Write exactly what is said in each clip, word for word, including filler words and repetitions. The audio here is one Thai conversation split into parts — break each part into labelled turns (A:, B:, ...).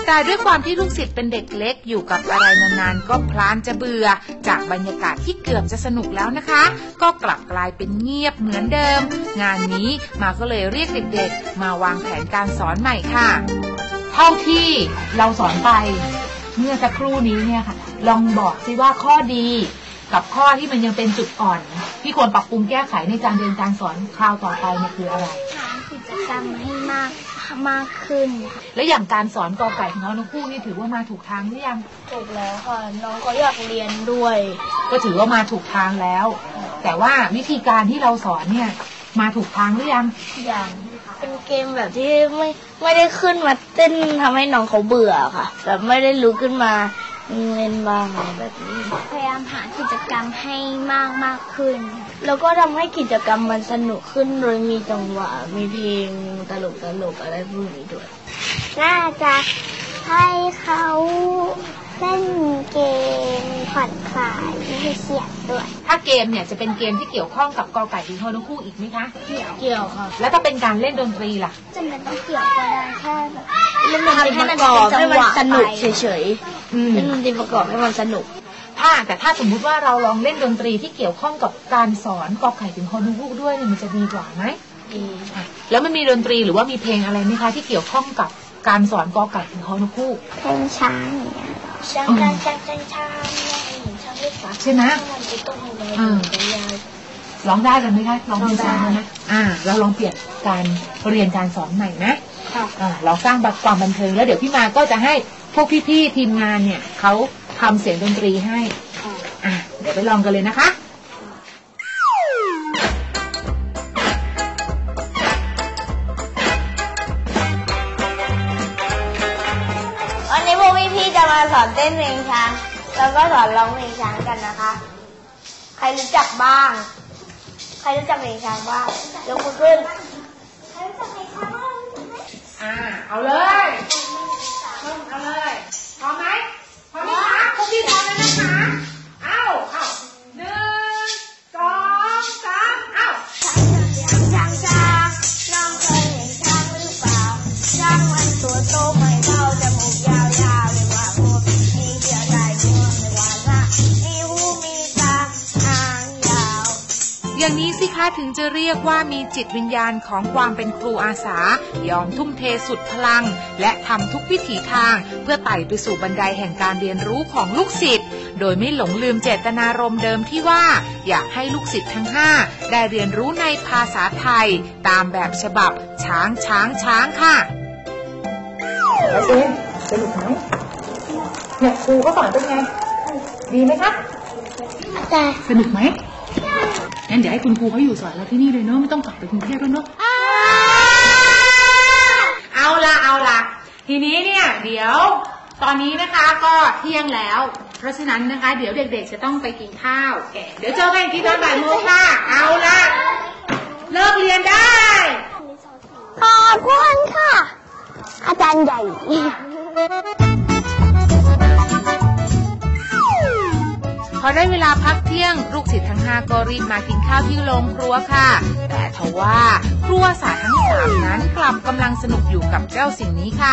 A: แต่ด้วยความที่ลูกศิษย์เป็นเด็กเล็กอยู่กับอะไรนานๆก็พลานจะเบื่อจากบรรยากาศที่เกือบจะสนุกแล้วนะคะก็กลับกลายเป็นเงียบเหมือนเดิมงานนี้มาก็เลยเรียกเด็กๆมาวางแผนการสอนใหม่ค่ะเท่าที่เราสอนไปเมื่อสักครู่นี้เนี่ยค่ะลองบอกสิว่าข้อดีกับข้อที่มันยังเป็นจุดอ่อนที่ควรปรับปรุงแก้ไขในการเรียนการสอนคราวต่อไปเนี่ยคืออะไร
B: หากิจกรรมให้มากมากขึ้นค่ะ
A: และอย่างการสอนกอไก่ของน้องนกคู่นี่ถือว่ามาถูกทางหรือยัง
B: ถูกแล้วค่ะน้องก็อยากเรียนด้วย
A: ก็ถือว่ามาถูกทางแล้วแต่ว่าวิธีการที่เราสอนเนี่ยมาถูกทางหรือยัง
B: ยังเป็นเกมแบบที่ไม่ไม่ได้ขึ้นมาเต้นทำให้น้องเขาเบื่อค่ะแบบไม่ได้ลุกขึ้นมาเล่นบ้างแบบนี้พยายามหากิจกรรมให้มากมากขึ้นแล้วก็ทำให้กิจกรรมมันสนุกขึ้นโดยมีจังหวะมีเพลงตลกตลกอะไรพวกนี้ด้วยน่าจะให้เขาเล่นเกมผ่อนคลายไม่ให้เครียดด้วย
A: ถ้าเกมเนี่ยจะเป็นเกมที่เกี่ยวข้องกับกอไก่ถึงฮอนุคู่อีกไหมคะ
B: เกี่ยวเกี่ยวค่ะ
A: แล้วถ้าเป็นการเล่นดนตรีล่ะ
B: จำเป็นต้องเกี่ยวก็ได้แค่แบบเล่นดนตรีประกอบให้มันสนุกเฉยๆเล่นดนตรีประกอบให้มันสนุก
A: ถ้าแต่ถ้าสมมุติว่าเราลองเล่นดนตรีที่เกี่ยวข้องกับการสอนกอไก่ถึงฮอนุคู่ด้วยเนี่ยมันจะดีกว่าไหม
B: ดี
A: แล้วมันมีดนตรีหรือว่ามีเพลงอะไรไหมคะที่เกี่ยวข้องกับการสอนกอไก่ถึงฮอนุคู่
B: เพลงช้างเนี่ยช้างช้างช้างช้างช้างช้างเล็กกว่า
A: ใช่ไหม
B: อืม
A: ร้องได้กันไหมคะร้องเพลงช้างนะอ่าเราลองเปลี่ยนการเรียนการสอนใหม่นะอ่าเราสร้างความบันเทิงแล้วเดี๋ยวพี่มาก็จะให้พวกพี่ๆทีมงานเนี่ยเขาทำเสียงดนตรีให้อ่าเดี๋ยวไปลองกันเลยนะคะ
B: วันนี้พวกพี่ๆจะมาสอนเต้นเพลงช้างแล้วก็สอนร้องเพลงช้างกันนะคะใครรู้จักบ้างใครรู้จักเพลงช้างบ้างยกมือขึ้นใครรู้จักเพลงช้างบ้าง
A: อ่าเอาเลยเอาเลยพร้อมไหมพร้อมไหมคะพวกพี่พร้อมแล้วนะคะเอาเอาหนึ่งสองสามเอา
B: ช้างช้างน้องเคยเห็นช้างหรือเปล่าช้างมันตัวโตไม่เท่าจมูกยาวๆเลยว่าโอ้มีเดียวได้เมื่อไม่ว่าละมีหูมีตาหางยาว
A: อย่างนี้สิคะถึงจะเรียกว่ามีจิตวิญญาณของความเป็นครูอาสายอมทุ่มเทสุดพลังและทำทุกวิถีทางเพื่อไต่ไปสู่บันไดแห่งการเรียนรู้ของลูกศิษย์โดยไม่หลงลืมเจตนารมณ์เดิมที่ว่าอยากให้ลูกศิษย์ทั้งห้าได้เรียนรู้ในภาษาไทยตามแบบฉบับช้างช้างช้างค่ะ
C: แล้วเจนสนุกไหมเนี่ยครูก็สอนเป็นไงดีไหมครับ
B: แต่
C: สนุกไหมงั้นเดี๋ยวให้คุณครูเขาอยู่สอนเราที่นี่เลยเนาะไม่ต้องกลับไปกรุงเทพแล้วเนาะ
A: เอาละเอาละทีนี้เนี่ยเดี๋ยวตอนนี้นะคะก็เที่ยงแล้วเพราะฉะนั้นนะคะเดี๋ยวเด็กๆจะต้องไปกินข้าวเดี๋ยวเจอกันที่ตอนบ่ายโมงค่ะเอาละเลิกเรียนได้
B: ขอบคุณค่ะอาจารย์ใหญ่
A: พอได้เวลาพักเที่ยงลูกศิษย์ทั้งห้าก็รีบมากินข้าวที่โรงครัวค่ะแต่ทว่าครัวสาทั้งสามนั้นกลับกำลังสนุกอยู่กับเจ้าสิ่งนี้ค่ะ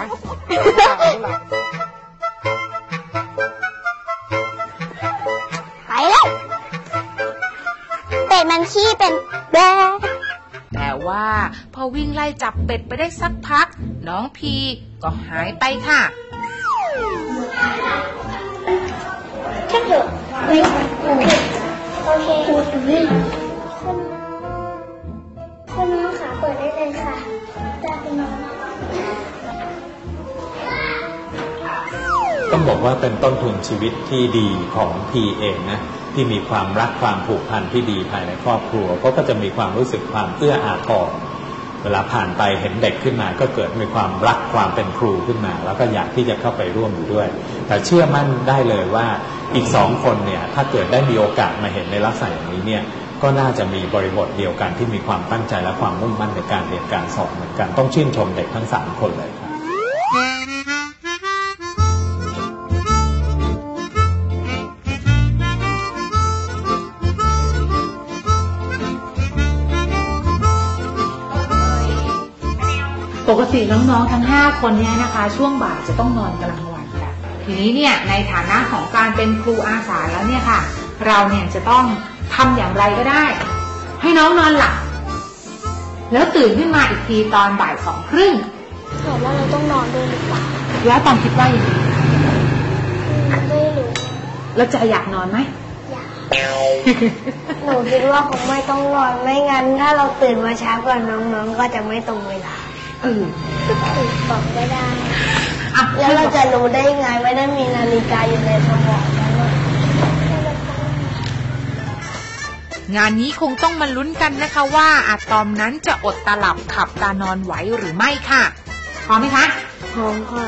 B: ไปเลยเป็ดมันขี้เป็นแบะ
A: แต่ว่าพอวิ่งไล่จับเป็ดไปได้สักพักน้องพีก็หายไปค่ะ
B: แค่เถอะโอเคโอเคคุณคุณน้องขาเปิดได้เลยค่ะจ้าคุณน้อง
D: ต้องบอกว่าเป็นต้นทุนชีวิตที่ดีของพีเองนะที่มีความรักความผูกพันที่ดีภายในครอบครัวเขาก็จะมีความรู้สึกความเอื้ออาทรเวลาผ่านไปเห็นเด็กขึ้นมาก็เกิดมีความรักความเป็นครูขึ้นมาแล้วก็อยากที่จะเข้าไปร่วมอยู่ด้วยแต่เชื่อมั่นได้เลยว่าอีกสองคนเนี่ยถ้าเกิดได้มีโอกาสมาเห็นในลักษณะอย่างนี้เนี่ยก็น่าจะมีบริบทเดียวกันที่มีความตั้งใจและความมุ่งมั่นในการเรียนการสอนเหมือนกันต้องชื่นชมเด็กทั้งสามคนเลยครับ
A: ปกติน้องๆทั้งห้าคนเนี่ยนะคะช่วงบ่ายจะต้องนอนกลางวันกันทีนี้เนี่ยในฐานะของการเป็นครูอาสาแล้วเนี่ยค่ะเราเนี่ยจะต้องทำอย่างไรก็ได้ให้น้องนอนหลับแล้วตื่นขึ้นมาอีกทีตอนบ่ายสองครึ่ง
B: ถามว่าเราต้องนอนด้วยหรือเปล่า
A: แล้วตอนคิดว่าอย่างไร
B: ไม่รู้
A: แล้วจะอยากนอนไหม
B: อยากหนูคิดว่าคงไม่ต้องนอนไม่งั้นถ้าเราตื่นมาช้ากว่าน้องๆก็จะไม่ตรงเวลา
A: เออ
B: บอกไม่ได้แล้วเราจะรู้ได้ไงไม่ได้มีนาฬิกาอยู่ในสมองนั้น
A: งานนี้คงต้องมาลุ้นกันนะคะว่าอะตอมนั้นจะอดตาหลับขับตานอนไหวหรือไม่ค่ะพร้อมไหมคะ
B: พร้อมค่ะ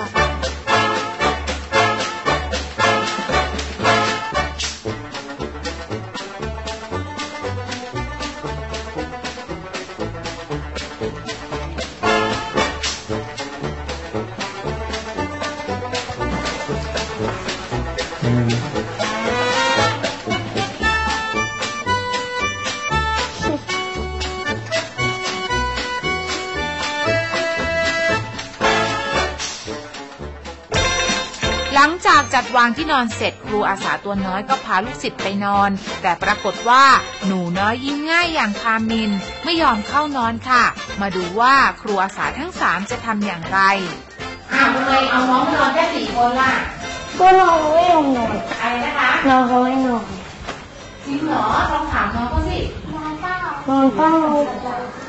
A: หลังจากจัดวางที่นอนเสร็จครูอาสาตัวน้อยก็พาลูกศิษย์ไปนอนแต่ปรากฏว่าหนูน้อยยิ้มง่ายอย่างคามินไม่ยอมเข้านอนค่ะมาดูว่าครูอาสาทั้งสามจะทำอย่างไรอ้าวทำไมเอาน้องนอนแค่สี่คนล่ะ
B: ก็น้องไม่ยอมนอน
A: อะไรนะคะ
B: น้องเขาไม่นอน
A: จริงเหรอลองถามน้องเขาสินอนเปล่าน
B: อนเปล่า